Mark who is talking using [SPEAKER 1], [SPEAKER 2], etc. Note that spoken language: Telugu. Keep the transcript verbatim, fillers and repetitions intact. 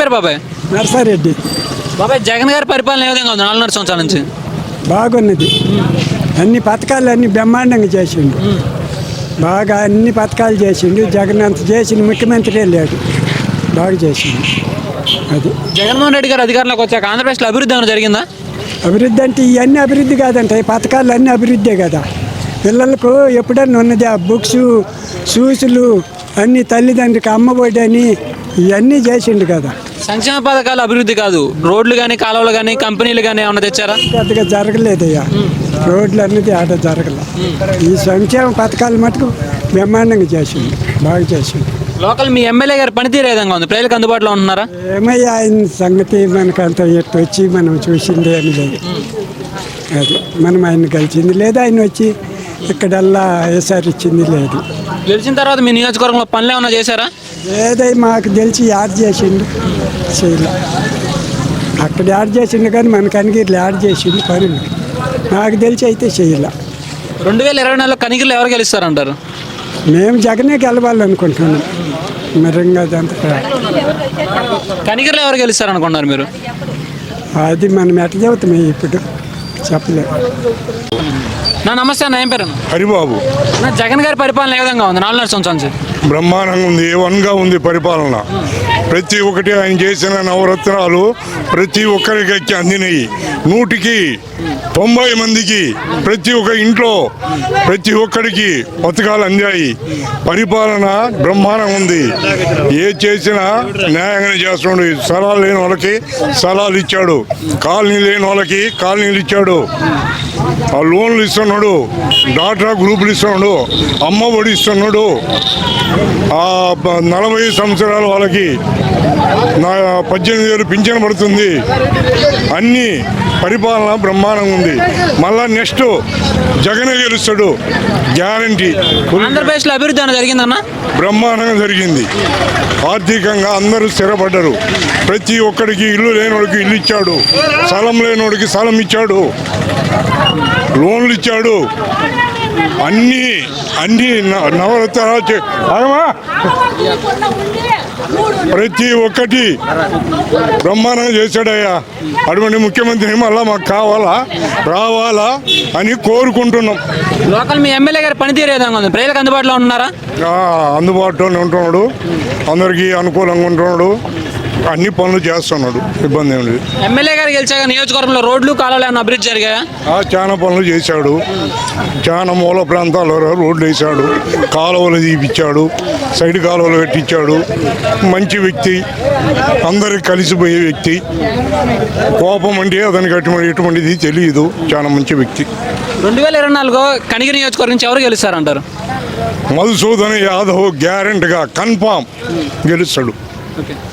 [SPEAKER 1] పేరు బాబాయ్?
[SPEAKER 2] నర్సారెడ్డి.
[SPEAKER 1] బాబాయ్, జగన్ గారి పరిపాలన ఏ విధంగా ఉంది నాలుగున్నర సంవత్సరాల నుంచి?
[SPEAKER 2] బాగున్నది. అన్ని పథకాలు అన్ని బ్రహ్మాండంగా చేసిండు. బాగా అన్ని పథకాలు చేసిండు. జగన్ అంత చేసిన ముఖ్యమంత్రి లేడు. బాగా చేసిండు. అది
[SPEAKER 1] జగన్మోహన్ రెడ్డి గారు అధికారంలోకి వచ్చాక ఆంధ్రప్రదేశ్లో అభివృద్ధి ఏమైనా జరిగిందా?
[SPEAKER 2] అభివృద్ధి అంటే ఇవన్నీ అభివృద్ధి కాదంట. ఈ పథకాలు అన్నీ అభివృద్ధే కదా. పిల్లలకు ఎప్పుడన్నా ఉన్నది ఆ బుక్స్, షూస్లు అన్ని, తల్లిదండ్రులకి అమ్మఒడి అని ఇవన్నీ చేసిండు కదా.
[SPEAKER 1] సంక్షేమ పథకాలు అభివృద్ధి కాదు, రోడ్లు కానీ కాలువలు కానీ కంపెనీలు కానీ ఏమన్నా తెచ్చారా?
[SPEAKER 2] పెద్దగా జరగలేదయ్యా. రోడ్లు అన్నది ఆట జరగల. ఈ సంక్షేమ పథకాలు మటుకు బ్రహ్మాండంగా చేసిండు. బాగా చేసిండు.
[SPEAKER 1] లోకల్ మీ ఎమ్మెల్యే గారి పనితీరు ఏ విధంగా ఉంది? ప్రజలకు అందుబాటులో ఉంటున్నారా?
[SPEAKER 2] ఏమయ్యా ఆయన సంగతి మనకంత ఎట్టు వచ్చి మనం చూసింది ఏమి లేదు. అది మనం ఆయన కలిసింది లేదు. ఆయన వచ్చి ఇక్కడల్లా ఏసారి ఇచ్చింది లేదు.
[SPEAKER 1] గెలిచిన తర్వాత మీ నియోజకవర్గంలో పనులు ఏమన్నా చేశారా?
[SPEAKER 2] ఏదై మాకు తెలిసి యాడ్ చేసిండు చేయలే. అక్కడ యాడ్ చేసిండు కానీ మనకు అనిగిరిలో యాడ్ చేసిండు పనులు. నాకు తెలిసి అయితే చేయలే.
[SPEAKER 1] రెండు వేల ఇరవై నాలుగులో కనిగిరిలో ఎవరు గెలుస్తారంటారు?
[SPEAKER 2] మేము జగనే గెలవాలనుకుంటున్నాం. మరింగా అదంతా
[SPEAKER 1] కనిగిరిలో ఎవరు గెలుస్తారనుకుంటున్నారు మీరు?
[SPEAKER 2] అది మనం ఎట్లా చెబుతాం ఇప్పుడు చెప్పలేము.
[SPEAKER 1] నా నమస్తే అన్న, ఏం పేరు?
[SPEAKER 3] హరిబాబు.
[SPEAKER 1] నా జగన్ గారి పరిపాలన ఏ విధంగా ఉంది నాలుగున్నర సంవత్సరాల నుంచి?
[SPEAKER 3] బ్రహ్మాండంగా ఉంది. వన్గా ఉంది పరిపాలన. ప్రతి ఒక్కటి ఆయన చేసిన నవరత్నాలు ప్రతి ఒక్కరికి అందినాయి. నూటికి తొంభై మందికి ప్రతి ఒక్క ఇంట్లో ప్రతి ఒక్కడికి పథకాలు అందాయి. పరిపాలన బ్రహ్మాండంగా ఉంది. ఏ చేసినా న్యాయంగానే చేస్తున్నాడు. స్థలాలు లేని వాళ్ళకి స్థలాలు ఇచ్చాడు, కాలనీ లేని వాళ్ళకి కాలనీలు ఇచ్చాడు, ఆ లోన్లు ఇస్తున్నాడు, డాక్టరా గ్రూపులు ఇస్తున్నాడు, అమ్మ ఒడి ఇస్తున్నాడు, ఆ నలభై సంవత్సరాల వాళ్ళకి నా పద్దెనిమిది వేలు పింఛన్ పడుతుంది. అన్నీ పరిపాలన బ్రహ్మాండంగా ఉంది. మళ్ళా నెక్స్ట్ జగనే గెలుస్తాడు గ్యారంటీ.
[SPEAKER 1] ఆంధ్రప్రదేశ్లో అభివృద్ధి ఏమైనా జరిగిందన్న?
[SPEAKER 3] బ్రహ్మాండంగా జరిగింది. ఆర్థికంగా అందరూ స్థిరపడ్డారు. ప్రతి ఒక్కడికి ఇల్లు లేనివాడికి ఇల్లు ఇచ్చాడు, స్థలం లేనివాడికి స్థలం ఇచ్చాడు, లోన్లు ఇచ్చాడు. అన్నీ అన్నీ నవరత్నాలు ప్రతి ఒక్కటి బ్రహ్మాండంగా చేశాడయ్యా. అటువంటి ముఖ్యమంత్రి మళ్ళా మాకు కావాలా, రావాలా అని కోరుకుంటున్నాం.
[SPEAKER 1] లోకల్ మీ ఎమ్మెల్యే గారి పనితీరు ఏ విధంగా ఉంది? ప్రజలకు అందుబాటులో ఉంటున్నారా?
[SPEAKER 3] అందుబాటులోనే ఉంటున్నాడు, అందరికీ అనుకూలంగా ఉంటున్నాడు, అన్ని పనులు చేస్తున్నాడు, ఇబ్బంది ఏమి లేదు.
[SPEAKER 1] ఎమ్మెల్యే గారు గెలిచాక నియోజకవర్గంలో రోడ్లు కాలువలు ఏమైనా అభివృద్ధి జరిగాయా?
[SPEAKER 3] చాలా పనులు చేశాడు. చాలా మూల ప్రాంతాల్లో రోడ్లు వేసాడు, కాలువలు తీపిచ్చాడు, సైడ్ కాలువలు పెట్టించాడు. మంచి వ్యక్తి, అందరికి కలిసిపోయే వ్యక్తి. కోపం అంటే అతనికి అటువంటి ఎటువంటిది తెలియదు. చాలా మంచి వ్యక్తి.
[SPEAKER 1] రెండు వేల ఇరవై నాలుగు కనిగిరి నియోజకవర్గం నుంచి ఎవరు గెలుస్తారంటారు?
[SPEAKER 3] మధుసూదన్ యాదవ్ గ్యారెంటీగా కన్ఫామ్ గెలుస్తాడు.
[SPEAKER 1] ఓకే.